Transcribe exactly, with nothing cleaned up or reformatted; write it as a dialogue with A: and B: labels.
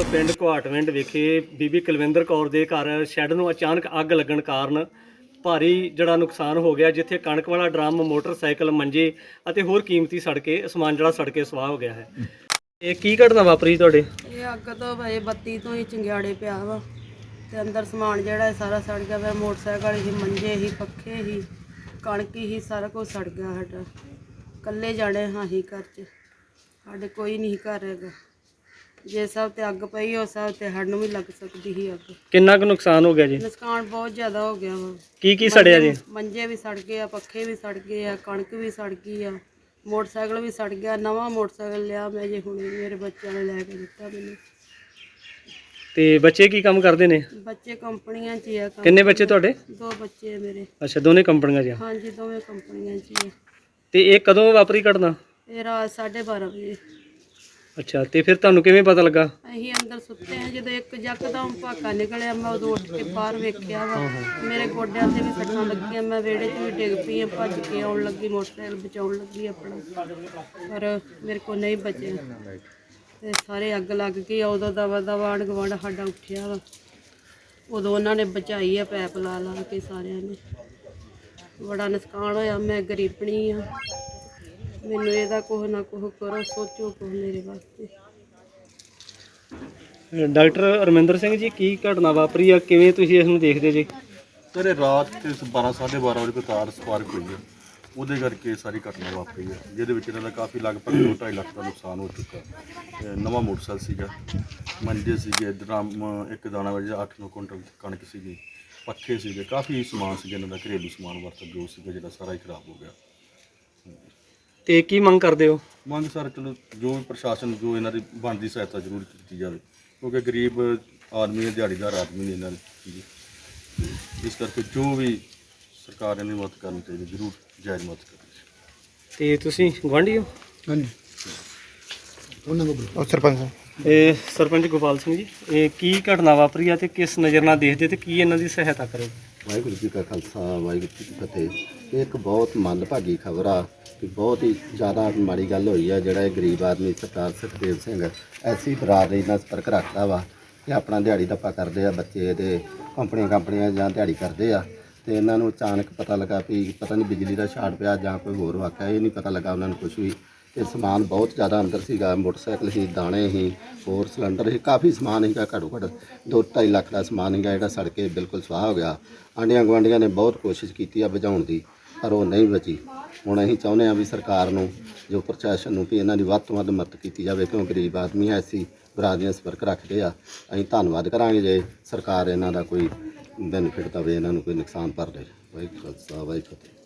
A: ਪਿੰਡ ਘੁਆਟਵਿੰਡ ਵਿਖੇ ਬੀਬੀ ਕੁਲਵਿੰਦਰ ਕੌਰ ਦੇ ਘਰ ਸ਼ੈੱਡ ਨੂੰ ਅਚਾਨਕ ਅੱਗ ਲੱਗਣ ਕਾਰਨ ਭਾਰੀ ਜਿਹੜਾ ਨੁਕਸਾਨ ਹੋ ਗਿਆ, ਜਿੱਥੇ ਕਣਕ ਵਾਲਾ ਡਰਮ, ਮੋਟਰਸਾਈਕਲ, ਮੰਜੇ ਅਤੇ ਹੋਰ ਕੀਮਤੀ ਸੜ ਕੇ ਸਮਾਨ ਜਿਹੜਾ ਸੜ ਕੇ ਸਵਾਹ ਹੋ ਗਿਆ ਹੈ। ਇਹ ਕੀ ਘਟਨਾ ਵਾਪਰੀ ਤੁਹਾਡੇ?
B: ਇਹ ਅੱਗ ਤੋਂ ਭਾਈ ਬੱਤੀ ਤੋਂ ਹੀ ਚੰਗਿਆੜੇ ਪਿਆ ਵਾ ਤੇ ਅੰਦਰ ਸਮਾਨ ਜਿਹੜਾ ਹੈ ਸਾਰਾ ਸੜ ਗਿਆ ਵਾ। ਮੋਟਰਸਾਈਕਲ ਹੀ, ਮੰਜੇ ਹੀ, ਪੱਖੇ ਹੀ, ਕਣਕ ਹੀ, ਸਾਰਾ ਕੁਝ ਸੜ ਗਿਆ। ਸਾਡਾ ਇਕੱਲੇ ਜਾਣੇ ਹਾਂ ਹੀ ਘਰ 'ਚ, ਸਾਡੇ ਕੋਈ ਨਹੀਂ ਘਰ ਹੈਗਾ। ਜੇ ਸਭ ਤੇ ਅੱਗ ਪਈ ਉਹ ਸਭ ਤੇ ਸਾਨੂੰ ਵੀ ਲੱਗ ਸਕਦੀ ਸੀ ਅੱਗ।
A: ਕਿੰਨਾ ਕੁ ਨੁਕਸਾਨ ਹੋ ਗਿਆ ਜੀ?
B: ਨੁਕਸਾਨ ਬਹੁਤ ਜ਼ਿਆਦਾ ਹੋ ਗਿਆ ਵਾ।
A: ਕੀ ਕੀ ਸੜਿਆ ਜੀ?
B: ਮੰਜੇ ਵੀ ਸੜ ਗਏ ਆ, ਪੱਖੇ ਵੀ ਸੜ ਗਏ ਆ, ਕਣਕ ਵੀ ਸੜ ਗਈ ਆ, ਮੋਟਰਸਾਈਕਲ ਵੀ ਸੜ ਗਿਆ। ਨਵਾਂ ਮੋਟਰਸਾਈਕਲ ਲਿਆ ਮੈਂ ਜੇ ਹੁਣੇ, ਮੇਰੇ ਬੱਚਿਆਂ ਨੇ ਲੈ ਕੇ ਦਿੱਤਾ ਮੈਨੂੰ।
A: ਤੇ ਬੱਚੇ ਕੀ ਕੰਮ ਕਰਦੇ ਨੇ?
B: ਬੱਚੇ ਕੰਪਨੀਆਂ 'ਚ ਹੀ ਆ।
A: ਕਿੰਨੇ ਬੱਚੇ ਤੁਹਾਡੇ?
B: ਦੋ ਬੱਚੇ ਆ ਮੇਰੇ।
A: ਅੱਛਾ, ਦੋਨੇ ਕੰਪਨੀਆਂ 'ਚ ਆ?
B: ਹਾਂਜੀ, ਦੋਵੇਂ ਕੰਪਨੀਆਂ 'ਚ ਹੀ ਆ।
A: ਤੇ ਇਹ ਕਦੋਂ ਵਾਪਰੀ ਘਟਨਾ?
B: ਇਹ ਰਾਤ ਸਾਢੇ ਬਾਰਾਂ ਵਜੇ।
A: ਅੱਛਾ, ਤੇ ਫਿਰ ਤੁਹਾਨੂੰ ਕਿਵੇਂ ਪਤਾ ਲੱਗਾ?
B: ਅਸੀਂ ਅੰਦਰ ਸੁੱਤੇ ਹਾਂ, ਜਦੋਂ ਇੱਕ ਯਕਦਮ ਭਾਕਾ ਨਿਕਲਿਆ, ਮੈਂ ਉਦੋਂ ਉੱਠ ਕੇ ਬਾਹਰ ਵੇਖਿਆ ਵਾ। ਮੇਰੇ ਗੋਡਿਆਂ ਤੇ ਵੀ ਸੱਟਾਂ ਲੱਗੀਆਂ, ਮੈਂ ਵਿਹੜੇ 'ਚ ਵੀ ਡਿੱਗ ਪਈ, ਭੱਜ ਕੇ ਆਉਣ ਲੱਗੀ, ਮੋਟਰਸਾਈਕਲ ਬਚਾਉਣ ਲੱਗੀ ਆਪਣਾ, ਪਰ ਮੇਰੇ ਕੋਲ ਨਹੀਂ ਬਚਿਆ ਤੇ ਸਾਰੇ ਅੱਗ ਲੱਗ ਗਈ। ਉਦੋਂ ਦਵਾ ਦਵਾ ਆਂਢ ਗੁਆਂਢ ਸਾਡਾ ਉੱਠਿਆ ਵਾ, ਉਦੋਂ ਉਹਨਾਂ ਨੇ ਬਚਾਈ ਆ, ਪੈਪ ਲਾ ਲਾ ਕੇ ਸਾਰਿਆਂ ਨੇ। ਬੜਾ ਨੁਕਸਾਨ ਹੋਇਆ। ਮੈਂ ਗਰੀਬਣੀ ਆ, ਮੈਨੂੰ ਇਹਦਾ ਕੁਛ ਨਾ ਕੁਛ ਕਰੋ, ਸੋਚੋ ਕੁਛ ਮੇਰੇ ਵਾਸਤੇ।
A: ਡਾਕਟਰ ਅਰਮਿੰਦਰ ਸਿੰਘ ਜੀ, ਕੀ ਘਟਨਾ ਵਾਪਰੀ ਆ, ਕਿਵੇਂ ਤੁਸੀਂ ਇਸ ਨੂੰ ਦੇਖਦੇ ਜੀ?
C: ਸਰ ਇਹ ਰਾਤ ਤੇ ਬਾਰਾਂ ਸਾਢੇ ਬਾਰਾਂ ਵਜੇ ਕੋਈ ਤਾਰ ਸਪਾਰਕ ਹੋਈ ਹੈ, ਉਹਦੇ ਕਰਕੇ ਸਾਰੀ ਘਟਨਾ ਵਾਪਰੀ ਹੈ, ਜਿਹਦੇ ਵਿੱਚ ਇਹਨਾਂ ਦਾ ਕਾਫੀ ਲਗਭਗ ਦੋ ਢਾਈ ਲੱਖ ਦਾ ਨੁਕਸਾਨ ਹੋ ਚੁੱਕਾ। ਤੇ ਨਵਾਂ ਮੋਟਰਸਾਈਕਲ ਸੀਗਾ, ਮੰਜੇ ਸੀਗੇ, ਡਰਮ, ਇੱਕ ਦਾਣਾ ਵਜੇ ਅੱਠ ਨੌ ਕੁਇੰਟਲ ਕਣਕ ਸੀਗੀ, ਪੱਖੇ ਸੀਗੇ, ਕਾਫੀ ਸਮਾਨ ਸੀਗਾ ਇਹਨਾਂ ਦਾ, ਘਰੇਲੂ ਸਮਾਨ ਵਰਤ ਜੋ ਸੀਗਾ, ਜਿਹੜਾ ਸਾਰਾ ਹੀ ਖਰਾਬ ਹੋ ਗਿਆ।
A: ਤੇ ਕੀ ਮੰਗ ਕਰਦੇ ਹੋ?
C: ਮੰਗ ਸਰ ਚਲੋ ਜੋ ਵੀ ਪ੍ਰਸ਼ਾਸਨ ਜੋ ਇਹਨਾਂ ਦੀ ਬਣਦੀ ਸਹਾਇਤਾ ਜ਼ਰੂਰ ਕੀਤੀ ਜਾਵੇ, ਕਿਉਂਕਿ ਗਰੀਬ ਆਦਮੀ ਹੈ, ਦਿਹਾੜੀਦਾਰ ਆਦਮੀ ਨੇ ਇਹਨਾਂ ਦੀ, ਇਸ ਕਰਕੇ ਜੋ ਵੀ ਸਰਕਾਰ ਇਹਨਾਂ ਦੀ ਮਦਦ ਕਰਨੀ ਚਾਹੀਦੀ, ਜ਼ਰੂਰ ਜਾਇਜ਼ ਮਦਦ ਕਰਨੀ ਚਾਹੀਦੀ।
A: ਤੇ ਤੁਸੀਂ ਗੁਆਂਢੀ ਹੋ?
D: ਹਾਂਜੀ, ਉਹਨਾਂ ਨੂੰ ਸਰਪੰਚ।
A: ਇਹ ਸਰਪੰਚ ਗੋਪਾਲ ਸਿੰਘ ਜੀ, ਇਹ ਕੀ ਘਟਨਾ ਵਾਪਰੀ ਆ ਤੇ ਕਿਸ ਨਜ਼ਰ ਨਾਲ ਦੇਖਦੇ ਤੇ ਕੀ ਇਹਨਾਂ ਦੀ ਸਹਾਇਤਾ ਕਰੋਗੇ?
E: ਵਾਹਿਗੁਰੂ ਜੀ ਕਾ ਖਾਲਸਾ, ਵਾਹਿਗੁਰੂ ਜੀ ਕੀ ਫਤਿਹ। ਇਹ ਇੱਕ ਬਹੁਤ ਮੰਦਭਾਗੀ ਖਬਰ ਆ ਕਿ ਬਹੁਤ ਹੀ ਜ਼ਿਆਦਾ ਮਾੜੀ ਗੱਲ ਹੋਈ ਆ। ਜਿਹੜਾ ਇਹ ਗਰੀਬ ਆਦਮੀ ਸਰਦਾਰ ਸੁਖਦੇਵ ਸਿੰਘ ਐਸੀ ਬਰਾਦਰੀ ਨਾਲ ਸੰਪਰਕ ਰੱਖਦਾ ਵਾ ਕਿ ਆਪਣਾ ਦਿਹਾੜੀ ਦੱਪਾ ਕਰਦੇ ਆ, ਬੱਚੇ ਇਹਦੇ ਕੰਪਨੀਆਂ ਕੰਪਨੀਆਂ ਜਾਂ ਦਿਹਾੜੀ ਕਰਦੇ ਆ, ਤੇ ਇਹਨਾਂ ਨੂੰ ਅਚਾਨਕ ਪਤਾ ਲੱਗਾ ਵੀ ਪਤਾ ਨਹੀਂ ਬਿਜਲੀ ਦਾ ਸ਼ਾਰਟ ਪਿਆ ਜਾਂ ਕੋਈ ਹੋਰ ਵਾਕਿਆ, ਇਹ ਨਹੀਂ ਪਤਾ ਲੱਗਾ ਉਹਨਾਂ ਨੂੰ ਕੁਝ ਵੀ। ਤੇ ਸਮਾਨ ਬਹੁਤ ਜ਼ਿਆਦਾ ਅੰਦਰ ਸੀਗਾ, ਮੋਟਰਸਾਈਕਲ ਸੀ, ਦਾਣੇ ਸੀ, ਹੋਰ ਸਿਲੰਡਰ ਸੀ, ਕਾਫੀ ਸਮਾਨ ਸੀਗਾ, ਘੱਟੋ ਘੱਟ ਦੋ ਢਾਈ ਲੱਖ ਦਾ ਸਮਾਨ ਸੀਗਾ, ਜਿਹੜਾ ਸੜ ਕੇ ਬਿਲਕੁਲ ਸਵਾਹ ਹੋ ਗਿਆ। ਆਂਢੀਆਂ ਗੁਆਂਢੀਆਂ ਨੇ ਬਹੁਤ ਕੋਸ਼ਿਸ਼ ਕੀਤੀ ਆ ਬੁਝਾਉਣ ਦੀ, ਪਰ ਉਹ ਨਹੀਂ ਬਚੀ। ਹੁਣ ਅਸੀਂ ਚਾਹੁੰਦੇ ਹਾਂ ਵੀ ਸਰਕਾਰ ਨੂੰ, ਜੋ ਪ੍ਰਸ਼ਾਸਨ ਨੂੰ, ਵੀ ਇਹਨਾਂ ਦੀ ਵੱਧ ਤੋਂ ਵੱਧ ਮਦਦ ਕੀਤੀ ਜਾਵੇ, ਕਿਉਂ ਗਰੀਬ ਆਦਮੀ ਹੈ, ਐਸੀ ਬਰਾਦਰੀਆਂ ਸੰਪਰਕ ਰੱਖਦੇ ਆ। ਅਸੀਂ ਧੰਨਵਾਦ ਕਰਾਂਗੇ ਜੇ ਸਰਕਾਰ ਇਹਨਾਂ ਦਾ ਕੋਈ ਬੈਨੀਫਿਟ ਦੇਵੇ, ਇਹਨਾਂ ਨੂੰ ਕੋਈ ਨੁਕਸਾਨ ਭਰ ਦੇ। ਵਾਹਿਗੁਰੂ ਖਾਲਸਾ, ਵਾਹਿਗੁਰੂ ਫਤਿਹ।